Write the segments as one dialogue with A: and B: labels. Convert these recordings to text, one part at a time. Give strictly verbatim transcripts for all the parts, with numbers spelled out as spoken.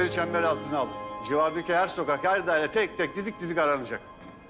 A: ekipleri çember altına alın. Civardaki her sokak, her daire tek tek didik didik aranacak.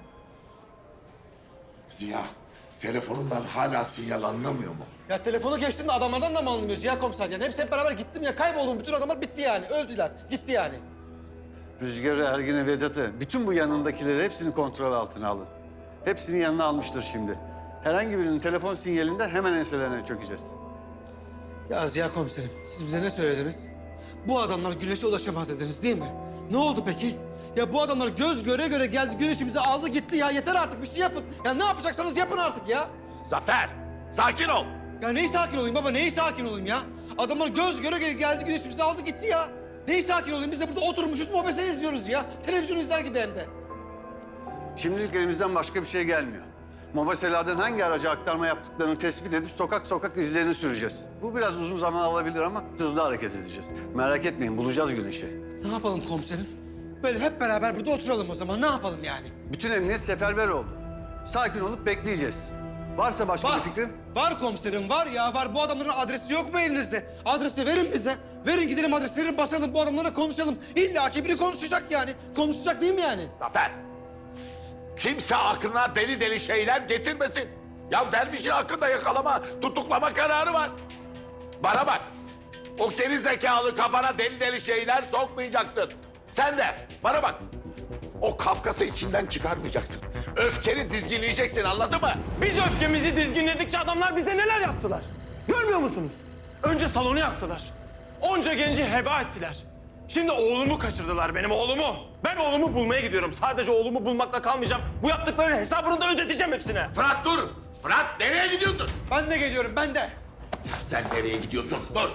B: Ziya, telefonundan hala sinyal anlamıyor mu?
C: Ya telefonu geçtin de adamlardan da mı anlamıyorsun ya komiser? Yani hepsi hep beraber gittim ya kayboldum. Bütün adamlar bitti yani. Öldüler. Gitti yani.
A: Rüzgar'ı, Ergin'i, Vedat'ı, bütün bu yanındakileri hepsini kontrol altına alın. Hepsini yanına almıştır şimdi. Herhangi birinin telefon sinyalinden hemen enselerine çökeceğiz.
C: Ya Ziya komiserim, siz bize ne söylediniz? Bu adamlar güneşe ulaşamaz dediniz değil mi? Ne oldu peki? Ya bu adamlar göz göre göre geldi, güneşimizi aldı gitti ya. Yeter artık, bir şey yapın. Ya ne yapacaksanız yapın artık ya.
B: Zafer, sakin ol.
C: Ya neyi sakin olayım baba, neyi sakin olayım ya? Adamlar göz göre göre geldi, güneşimizi aldı gitti ya. Neyi sakin olayım? Biz de burada oturmuşuz, mobese izliyoruz ya. Televizyon izler gibi hem de.
A: Şimdilik elimizden başka bir şey gelmiyor. Mobeselerden hangi araca aktarma yaptıklarını tespit edip sokak sokak izlerini süreceğiz. Bu biraz uzun zaman alabilir ama hızlı hareket edeceğiz. Merak etmeyin, bulacağız güneşi.
C: Ne yapalım komiserim? Böyle hep beraber burada oturalım o zaman. Ne yapalım yani?
A: Bütün emniyet seferber oldu. Sakin olup bekleyeceğiz. Varsa başka
C: Var.
A: bir fikrin?
C: Var komiserim, var ya var. Bu adamların adresi yok mu elinizde? Adresi verin bize. Verin gidelim adresleri basalım, bu adamlarla konuşalım. İlla ki biri konuşacak yani. Konuşacak değil mi yani?
B: Zafer, kimse aklına deli deli şeyler getirmesin. Ya dervişin hakkında yakalama, tutuklama kararı var. Bana bak, o geri zekalı kafana deli deli şeyler sokmayacaksın. Sen de bana bak, o Kafkas'ı içinden çıkarmayacaksın. Öfkeni dizginleyeceksin, anladın mı?
D: Biz öfkemizi dizginledikçe adamlar bize neler yaptılar? Görmüyor musunuz? Önce salonu yaktılar. Onca genci heba ettiler. Şimdi oğlumu kaçırdılar, benim oğlumu. Ben oğlumu bulmaya gidiyorum. Sadece oğlumu bulmakla kalmayacağım. Bu yaptıklarının hesabını da ödeteceğim hepsine.
B: Fırat dur! Fırat nereye gidiyorsun?
C: Ben de geliyorum, ben de.
B: Sen nereye gidiyorsun? Dur!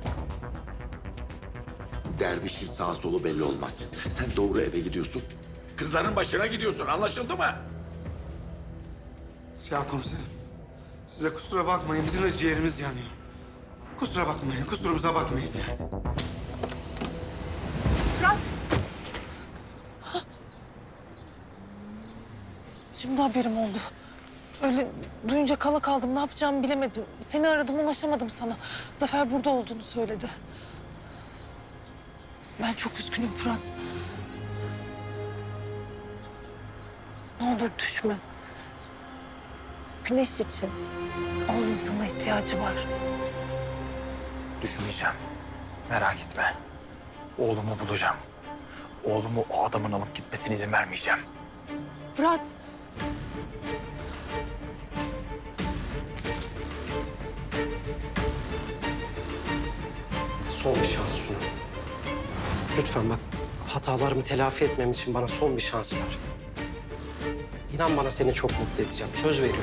B: Dervişin sağ solu belli olmaz. Sen doğru eve gidiyorsun. Kızların başına gidiyorsun, anlaşıldı mı?
C: Ya komiserim, size kusura bakmayın. Bizim de ciğerimiz yanıyor. Kusura bakmayın, kusurumuza bakmayın yani.
E: Fırat! Şimdi haberim oldu. Öyle duyunca kala kaldım. Ne yapacağımı bilemedim. Seni aradım, ulaşamadım sana. Zafer burada olduğunu söyledi. Ben çok üzgünüm Fırat. Ne olur düşme. Güneş için. Oğlum sana ihtiyacı var.
D: Düşmeyeceğim. Merak etme. Oğlumu bulacağım. Oğlumu o adamın alıp gitmesine izin vermeyeceğim.
E: Fırat!
F: Son bir şans Sunu. Lütfen bak, hatalarımı telafi etmem için bana son bir şans ver. İnan bana seni çok mutlu edeceğim. Söz veriyorum.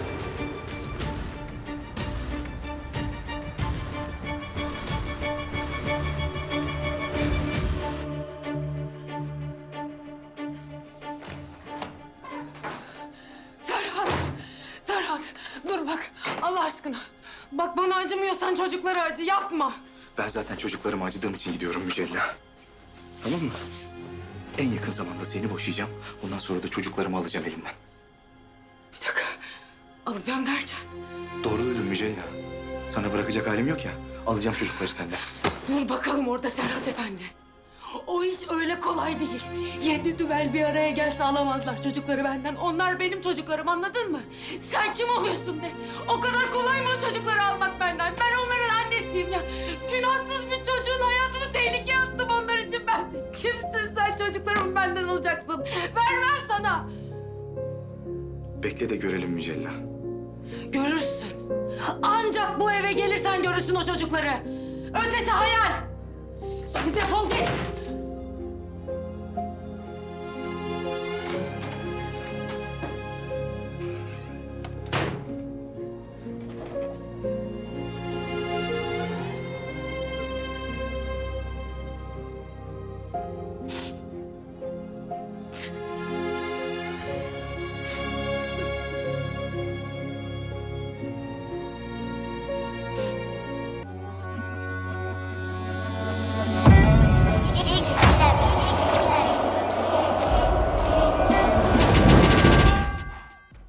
G: Serhat! Serhat! Dur bak Allah aşkına. Bak bana acımıyorsan çocuklara acı yapma.
H: Ben zaten çocuklarıma acıdığım için gidiyorum Mücella. Tamam mı? En yakın zamanda seni boşayacağım. Ondan sonra da çocuklarımı alacağım elinden.
G: Bir dakika. Alacağım derken.
H: Doğru duydun Mücella. Sana bırakacak halim yok ya. Alacağım çocukları senden.
G: Dur bakalım orada Serhat Efendi. O iş öyle kolay değil. Yedi düvel bir araya gelse alamazlar çocukları benden. Onlar benim çocuklarım, anladın mı? Sen kim oluyorsun be? O kadar kolay mı o çocukları almak benden? Ben onların annesiyim ya. Günahsız bir çocuğun hayatını tehlikeye attım onlar için ben. Kimsin sen, çocuklarımı benden alacaksın? Vermem sana.
H: Bekle de görelim Mücella.
G: Görürsün. Ancak bu eve gelirsen görürsün o çocukları. Ötesi hayal. Şimdi defol git.